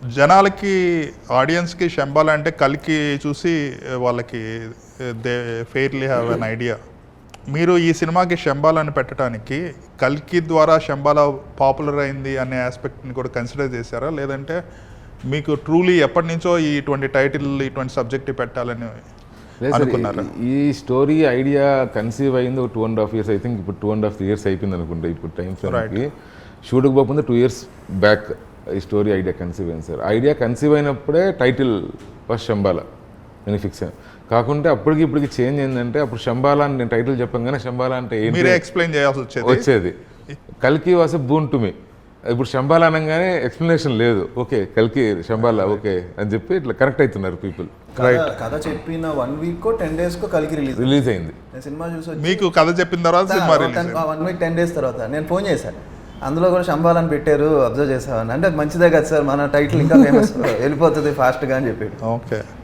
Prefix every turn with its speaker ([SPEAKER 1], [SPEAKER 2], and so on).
[SPEAKER 1] జనాలకి ఆడియన్స్కి శంబాల అంటే కల్కి చూసి వాళ్ళకి they fairly have an idea. మీరు ఈ సినిమాకి శంబాలని పెట్టడానికి కల్కి ద్వారా శంబాల పాపులర్ అయింది అనే ఆస్పెక్ట్ని కూడా కన్సిడర్ చేశారా, లేదంటే మీకు ట్రూలీ ఎప్పటి నుంచో ఇటువంటి టైటిల్ ఇటువంటి సబ్జెక్ట్ పెట్టాలని అనుకున్నారా?
[SPEAKER 2] ఈ స్టోరీ ఐడియా కన్సీవ్ అయింది ఒక 2.5 years, ఐ థింక్ ఇప్పుడు 2.5 years అయిపోయింది అనుకుంటా. ఇప్పుడు టైం ఫ్రేమ్కి షూట్కి పోకుండా 2 years బ్యాక్ ఈ స్టోరీ ఐడియా కన్సీవ్ అయింది సార్. ఐడియా కన్సీవ్ అయినప్పుడే టైటిల్ ఫస్ట్ శంబాల నేను ఫిక్స్ అయ్యాను. కాకుంటే అప్పటికి ఇప్పటికి చేంజ్ ఏంటంటే అప్పుడు శంబాల అని నేను టైటిల్ చెప్పగానే శంబాల అంటే ఏంటి
[SPEAKER 1] ఎక్స్ప్లెయిన్ చేయాల్సి
[SPEAKER 2] వచ్చేది. కల్కి వాస్ బూన్ టు మీ. ఇప్పుడు శంబాల అనగానే ఎక్స్ప్లెనేషన్ లేదు, ఓకే కల్కి శంబాల ఓకే అని చెప్పి ఇట్లా కరెక్ట్ అవుతున్నారు పీపుల్.
[SPEAKER 3] కథ చెప్పిన 1 week 10 days కలికి
[SPEAKER 2] రిలీజ్ అయింది.
[SPEAKER 3] నేను సినిమా చూసి
[SPEAKER 1] మీకు కథ చెప్పిన తర్వాత
[SPEAKER 3] 1 week 10 days తర్వాత నేను ఫోన్ చేశాను. అందులో కూడా శంబాలని పెట్టారు, అబ్జర్వ్ చేసామని. అంటే మంచిదే కదా సార్, మన టైటిల్ ఇంకా ఫేమస్ వెళ్ళిపోతుంది ఫాస్ట్గా అని చెప్పాడు.
[SPEAKER 1] ఓకే.